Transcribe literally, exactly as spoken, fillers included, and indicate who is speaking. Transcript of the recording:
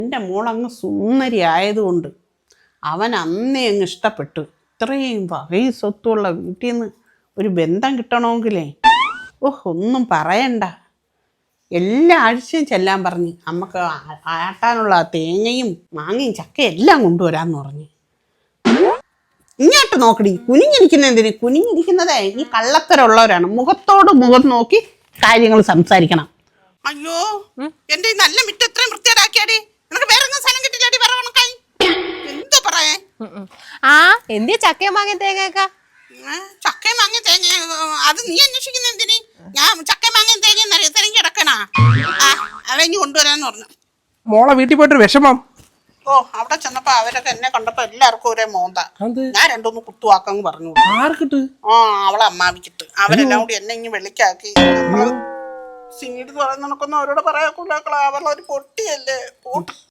Speaker 1: എൻ്റെ മോളങ്ങ് സുന്ദരി ആയതുകൊണ്ട് അവൻ അന്നേ അങ്ങ് ഇഷ്ടപ്പെട്ടു. ഇത്രയും വകയും സ്വത്തുള്ള വീട്ടിൽ നിന്ന് ഒരു ബന്ധം കിട്ടണമെങ്കിലേ ഓഹ് ഒന്നും പറയണ്ട. എല്ലാ ആഴ്ചയും ചെല്ലാൻ പറഞ്ഞ് അമ്മക്ക് ആട്ടാനുള്ള തേങ്ങയും മാങ്ങയും ചക്കയും എല്ലാം കൊണ്ടുവരാന്ന് പറഞ്ഞ്. ഇങ്ങോട്ട് നോക്കടി, കുനിഞ്ഞിരിക്കുന്ന എന്തിന്? കുനിഞ്ഞിരിക്കുന്നതേ ഈ കള്ളത്തരമുള്ളവരാണ്. മുഖത്തോട് മുഖം നോക്കി കാര്യങ്ങൾ സംസാരിക്കണം. അയ്യോ എന്റെ ഈ നല്ല മിറ്റം എത്രയും വൃത്തിയാടാക്കിയാടി. നിനക്ക് വേറെ സ്ഥലം കിട്ടില്ലാടി? പറവണക്കായി എന്തോ പറയേ.
Speaker 2: ആ എന്തിയ ചക്കയും മാങ്ങയും തേങ്ങയൊക്കെ?
Speaker 1: ചക്കയും മാങ്ങയും തേങ്ങ അത് നീ അന്വേഷിക്കുന്ന എന്തിന്? ഞാൻ ചക്കയും മാങ്ങയും തേങ്ങയും തിരഞ്ഞു കിടക്കണാ. ആ അവനി കൊണ്ടുവരാന്ന് പറഞ്ഞു.
Speaker 3: മോളെ വീട്ടിൽ പോയിട്ടൊരു വിഷമം.
Speaker 1: ഓ അവിടെ ചെന്നപ്പോ അവരൊക്കെ എന്നെ കണ്ടപ്പോ എല്ലാവർക്കും ഒരേ മോന്ത. ഞാൻ രണ്ടൊന്ന് കുത്തുവാക്കങ്ങ് പറഞ്ഞു.
Speaker 3: ആർക്കിട്ട്?
Speaker 1: ആ അവളെ അമ്മാവിക്കിട്ട്. അവരെല്ലാം കൂടി എന്നെ ഇങ്ങനെ വെളിക്കാക്കി. സിംഗിട്ട് പറയുന്ന കണക്കൊന്നും അവരോട് പറയാക്കൂല. അവരുടെ ഒരു പൊട്ടിയല്ലേ.